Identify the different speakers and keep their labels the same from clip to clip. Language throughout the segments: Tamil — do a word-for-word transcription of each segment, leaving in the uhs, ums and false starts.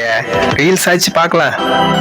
Speaker 1: ரீல்ஸ் ஆச்சு பார்க்கலாம்.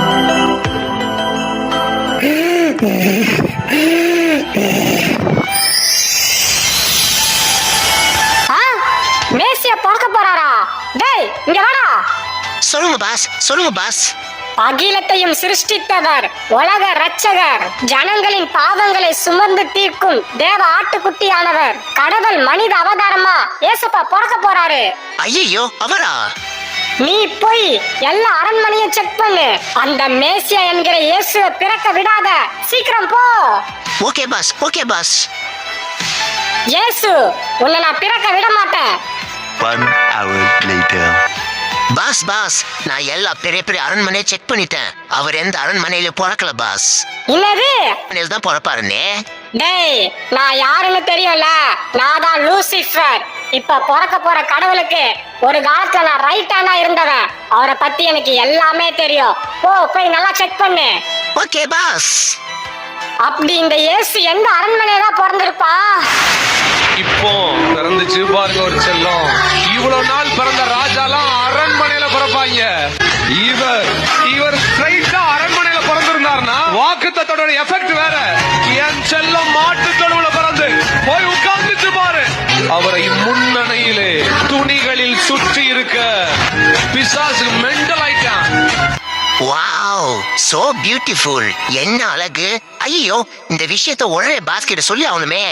Speaker 2: மேசியா பார்க்க போறாரா? டேய் இங்க வாடா.
Speaker 3: சொல்லுங்க பாஸ், சொல்லுங்க பாஸ்.
Speaker 2: அகிலத்தையும் சிருஷ்டித்தவர், உலக ரட்சகர், ஜனங்களின் பாவங்களை சுமந்து தீர்க்கும் தேவ ஆட்டுக்குட்டியானவர், கடவுள் மனித அவதாரமா ஏசப்பா பிறக்க போறாரு.
Speaker 3: ஐயோ, அவரா?
Speaker 2: நீ போய் எல்லா அரண்மனையும் செக் பண்ணு. அந்த மேசியா என்கிற இயேசுவை பிறக்க விடாத. சீக்கிரம் போ.
Speaker 3: Okay boss, okay boss.
Speaker 2: Yesu உன்னை நான் பிறக்க விட மாட்டேன்.
Speaker 4: One hour later.
Speaker 3: Boss boss, நான் எல்லா பெரிய பெரிய அரண்மனையை செக் பண்ணிட்டேன். அவர் எந்த அரண்மனையில பிறக்கல பாஸ்.
Speaker 2: என்னது?
Speaker 3: அரண்மனையில தான் பிறப்பாருன்னே.
Speaker 2: டேய், நான் யாருன்னு தெரியும்ல. நான் தான் லூசிஃபர். இப்ப பிறக்க போற கடவுளுக்கு ஒரு காலத்துல நான் ரைட் ஹேண்டா இருந்தவன். அவரை பத்தி எனக்கு எல்லாமே தெரியும். போ போய் நல்லா செக் பண்ணு.
Speaker 3: Okay boss.
Speaker 2: அப்படி இந்த இயேசு எந்த அரண்மனையில தான் பிறந்திருப்பா?
Speaker 5: இப்போ பிறந்துச்சு பாருங்க ஒரு செல்லம். இவ்வளவு நாள் பிறந்த ராஜாலாம் அரண்மனையில பிறப்பாங்க. இவர் இவர் ஸ்ட்ரைட்டா அரண்மனையில பிறந்திருந்தாருன்னா வாக்குத்தத்தோட எஃபெக்ட் வேற. என் செல்லம் மாட்டு தொழுவுல பிறந்து போய் உட்கார்ந்துச்சு பாரு. அவரை முன்னணியிலே துணிகளில் சுற்றி இருக்க பிசாசு மெண்டல் ஆயிட்டான்.
Speaker 3: Wow, so beautiful. என்ன அழகு. ஐயோ, இந்த விஷயத்தை உடனே பாஸ் கிட்ட சொல்லி ஆகணுமே.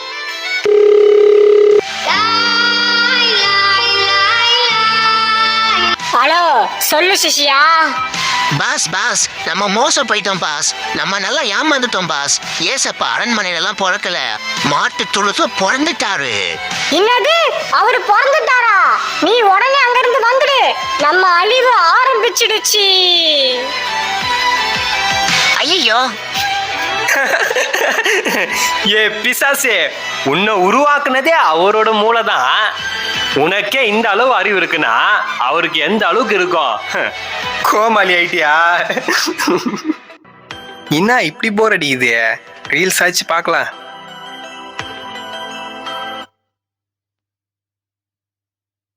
Speaker 2: ஹலோ, சொல்லு சிஷியா.
Speaker 3: பாஸ் பாஸ், நம்ம மோசம் போயிட்டோம் பாஸ். நம்ம நல்லா ஏமாந்துட்டோம் பாஸ். ஏசப்பா அரண்மனையில எல்லாம் பிறக்கல, மாட்டு தொழுத்துல பிறந்துட்டாரு.
Speaker 2: என்னது? அவரு பிறந்துட்டாரா? நீ உடனே அங்க இருந்து வந்துடு. நம்ம அழிவு ஆரம்பிச்சிடுச்சு.
Speaker 3: ஐயோ,
Speaker 1: ஏ பிசாசே, உன்னை உருவாக்குனதே அவரோட மூளைதான். உனக்கே இந்த அளவு அறிவு இருக்குன்னா அவருக்கு எந்த அளவுக்கு இருக்கும்? கோமாளி ஆயிட்டியா? என்ன இப்படி போர் அடிக்குது? ரீல்ஸ் ஆச்சு பார்க்கலாம்.